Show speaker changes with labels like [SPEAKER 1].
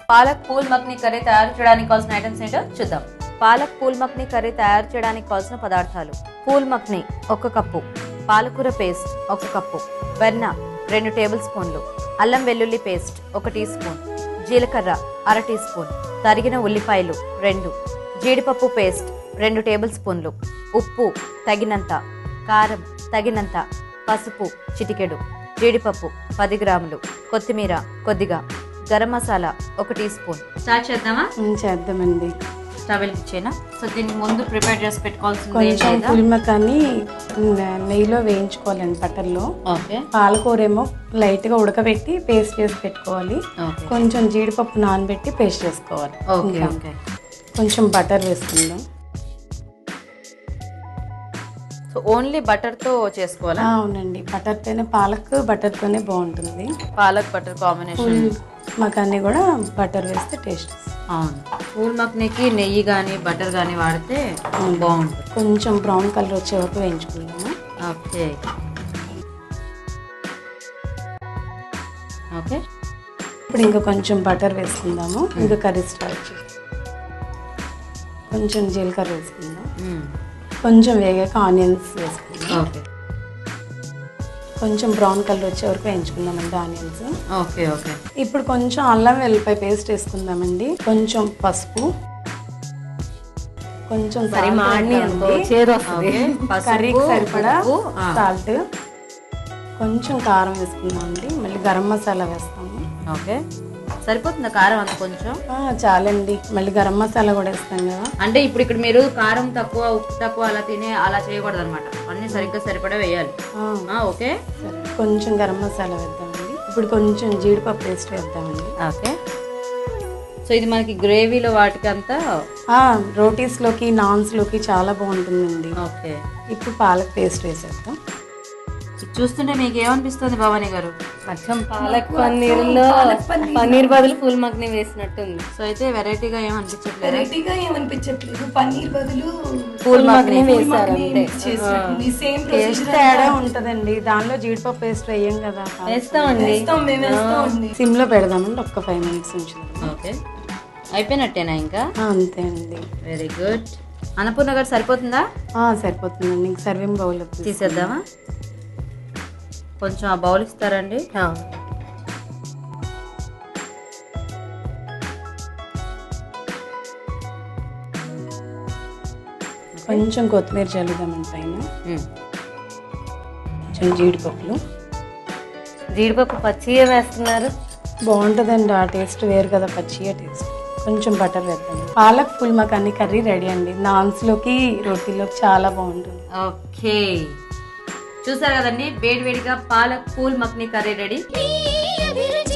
[SPEAKER 1] Palak phool makhni curry తయారు చేయడానికి కావాల్సిన ఐటమ్స్ ఏంటో చూద్దాం. పాలక్ పూల్ మక్ని కర్రీ తయారు చేయడానికి కావాల్సిన పదార్థాలు: పూల్ మక్ని 1 కప్పు, పాలకూర పేస్ట్ 1 కప్పు, వెన్న 2 టేబుల్ స్పూన్లు, అల్లం వెల్లుల్లి పేస్ట్ 1 టీ స్పూన్, జీలకర్ర 1/2 టీ స్పూన్, తరిగిన ఉల్లిపాయలు 2, జీడిపప్పు పేస్ట్ 2 టేబుల్ స్పూన్లు, ఉప్పు తగినంత, కారం తగినంత, పసుపు చిటికెడు, జీడిపప్పు 10 గ్రాములు, కొత్తిమీర కొద్దిగా, garam masala 1 teaspoon. Start చేద్దామా?
[SPEAKER 2] చేద్దామండి.
[SPEAKER 1] స్టవ్ వెలిగించేనా? సో దీన్ని ముందు ప్రిపేర్ చేసి పెట్టుకోవాల్సింది
[SPEAKER 2] కొంచెం పుల్మకాన్ని నెయ్యిలో వేయించుకోవాలండి, బటర్లో.
[SPEAKER 1] ఓకే.
[SPEAKER 2] పాలకూర ఏమో లైట్ గా ఉడకబెట్టి పేస్ట్ చేసి పెట్టుకోవాలి. కొంచెం జీడిపప్పు నానబెట్టి పేస్ట్ చేసుకోవాలి.
[SPEAKER 1] Okay okay.
[SPEAKER 2] కొంచెం బటర్ వేసుకుందాం.
[SPEAKER 1] సో ఓన్లీ బటర్ తో చేసుకోవాలా?
[SPEAKER 2] అవునండి, బటర్ తోనే, పాలక్ బటర్ తోనే బాగుంటుంది.
[SPEAKER 1] Palak butter combination.
[SPEAKER 2] మకాన్ని కూడా బటర్ వేస్తే టేస్ట్.
[SPEAKER 1] అవును, పూల్ మక్నీకి నెయ్యి కానీ బటర్ కానీ వాడితే బాగుంటుంది.
[SPEAKER 2] కొంచెం బ్రౌన్ కలర్ వచ్చే వరకు వేయించుకుందాము.
[SPEAKER 1] Okay okay.
[SPEAKER 2] ఇప్పుడు ఇంకా కొంచెం బటర్ వేసుకుందాము. ఇంకా కర్రీ స్టార్ట్ చేసి కొంచెం జీలకర్ర వేసుకుందాం. కొంచెం వేగాక ఆనియన్స్ వేసుకుందాం.
[SPEAKER 1] ఓకే.
[SPEAKER 2] కొంచెం బ్రౌన్ కలర్ వచ్చే వరకు వేయించుకుందామండి ఆనియన్స్.
[SPEAKER 1] Okay okay.
[SPEAKER 2] ఇప్పుడు కొంచెం అల్లం వెల్లిపాయ పేస్ట్ వేసుకుందామండి. కొంచెం పసుపు, కొంచెం కర్రీకి సరిపడా సాల్ట్, కొంచెం కారం వేసుకుందామండి. మళ్ళీ గరం మసాలా వేస్తాము.
[SPEAKER 1] ఓకే. సరిపోతుందా కారం? అంత కొంచెం
[SPEAKER 2] చాలండి. మళ్ళీ గరం మసాలా కూడా వేస్తాం కదా.
[SPEAKER 1] అంటే ఇప్పుడు ఇక్కడ మీరు కారం తక్కువ ఉప్పు తక్కువ అలా చేయకూడదు అనమాట. అన్ని సరిగ్గా సరిపడా వేయాలి. ఓకే.
[SPEAKER 2] కొంచెం గరం మసాలా వేద్దామండి. ఇప్పుడు కొంచెం జీడిపప్పు పేస్ట్ వేద్దామండి.
[SPEAKER 1] ఓకే. సో ఇది మనకి గ్రేవీలో వాటికి అంతా
[SPEAKER 2] రోటీస్ లోకి, నాన్స్ లోకి చాలా బాగుంటుందండి.
[SPEAKER 1] ఓకే.
[SPEAKER 2] ఇప్పుడు పాలక్ పేస్ట్ వేసేద్దాం.
[SPEAKER 1] చూస్తుంటే మీకు ఏమనిపిస్తుంది భవానీ గారు?
[SPEAKER 3] అచ్చం పాలక్ పన్నీర్లో పన్నీర్ బదులు పూల్ మక్ని వేసినట్టుంది.
[SPEAKER 1] సో అయితే వెరైటీగా
[SPEAKER 4] ఏమనిపించట్లేదు. పన్నీర్ బదులు
[SPEAKER 3] పూల్ మక్ని వేసారు అంతే.
[SPEAKER 2] తేడా ఉంటదండి. దానిలో జీడిపప్పు పేస్ట్ వేయం కదా.
[SPEAKER 3] వేస్తామండి.
[SPEAKER 2] సిమ్ లో పెడదామండి. ఒక్క 5 మినిట్స్ ఉంచుదాం.
[SPEAKER 1] ఓకే. అయిపోయినట్టేనా ఇంకా?
[SPEAKER 2] అంతే అండి.
[SPEAKER 1] Very good. అన్నపూర్ణ గారు సరిపోతుందా?
[SPEAKER 2] సరిపోతుందండి. ఇంక సర్వింగ్ బౌల్
[SPEAKER 1] తీసేద్దామా? కొంచెం ఆ బౌల్ ఇస్తారండి.
[SPEAKER 2] కొంచెం కొత్తిమీర చల్లుదామండి పైన. కొంచెం
[SPEAKER 3] జీడిపప్పు పచ్చిగా వేస్తున్నారు.
[SPEAKER 2] బాగుంటుందండి. ఆ టేస్ట్ వేరు కదా, పచ్చిగా టేస్ట్. కొంచెం బటర్ వేద్దాం. పాలక్ పూల్ మకాని కర్రీ రెడీ అండి. నాన్స్ లోకి, రోటీలోకి చాలా బాగుంటుంది.
[SPEAKER 1] ఓకే, చూసారు కదండి, వేడివేడిగా పాలక్ పూల్ మక్ని కర్రీ రెడీ.